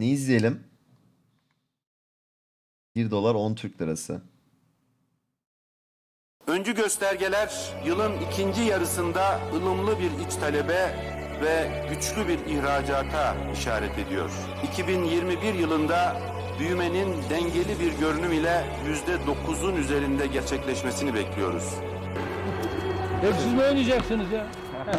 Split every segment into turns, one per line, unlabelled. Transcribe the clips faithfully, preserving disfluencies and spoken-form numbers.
Ne izleyelim? bir dolar on Türk lirası.
Öncü göstergeler yılın ikinci yarısında ılımlı bir iç talebe ve güçlü bir ihracata işaret ediyor. iki bin yirmi bir yılında büyümenin dengeli bir görünüm ile yüzde dokuzun üzerinde gerçekleşmesini bekliyoruz.
Hep siz mi oynayacaksınız ya?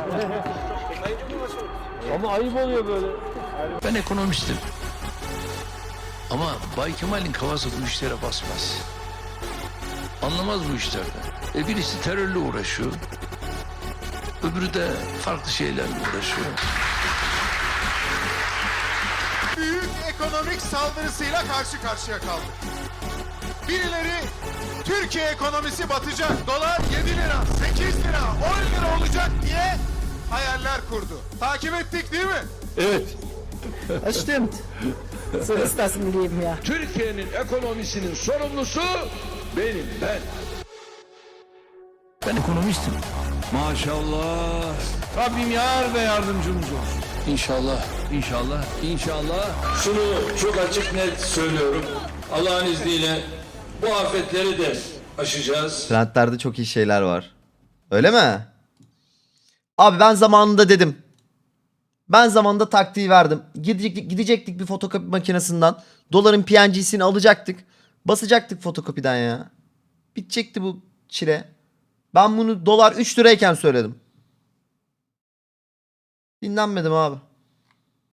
Ama ayıp oluyor böyle.
Ben ekonomistim. Ama Bay Kemal'in kafası bu işlere basmaz. Anlamaz bu işlerden. E birisi terörle uğraşıyor. Öbürü de farklı şeylerle uğraşıyor.
Büyük ekonomik saldırısıyla karşı karşıya kaldık. Birileri Türkiye ekonomisi batacak, dolar yedi lira, sekiz lira, on lira olacak diye hayaller kurdu. Takip ettik değil mi?
Das stimmt. So ist das im Leben, ja.
Türkiye'nin ekonomisinin sorumlusu benim, ben. Ben ekonomistim.
Maşallah. Rabbim yar ve yardımcımız olsun.
İnşallah, inşallah, inşallah.
Şunu çok açık net söylüyorum. Allah'ın izniyle bu afetleri de aşacağız.
Trendlerde çok iyi şeyler var. Öyle mi? Abi ben zamanında dedim. Ben zamanında taktiği verdim. Gidecektik, gidecektik bir fotokopi makinesinden. Doların P N G'sini alacaktık. Basacaktık fotokopiden ya. Bitecekti bu çile. Ben bunu dolar üç lirayken söyledim. Dinlenmedim abi.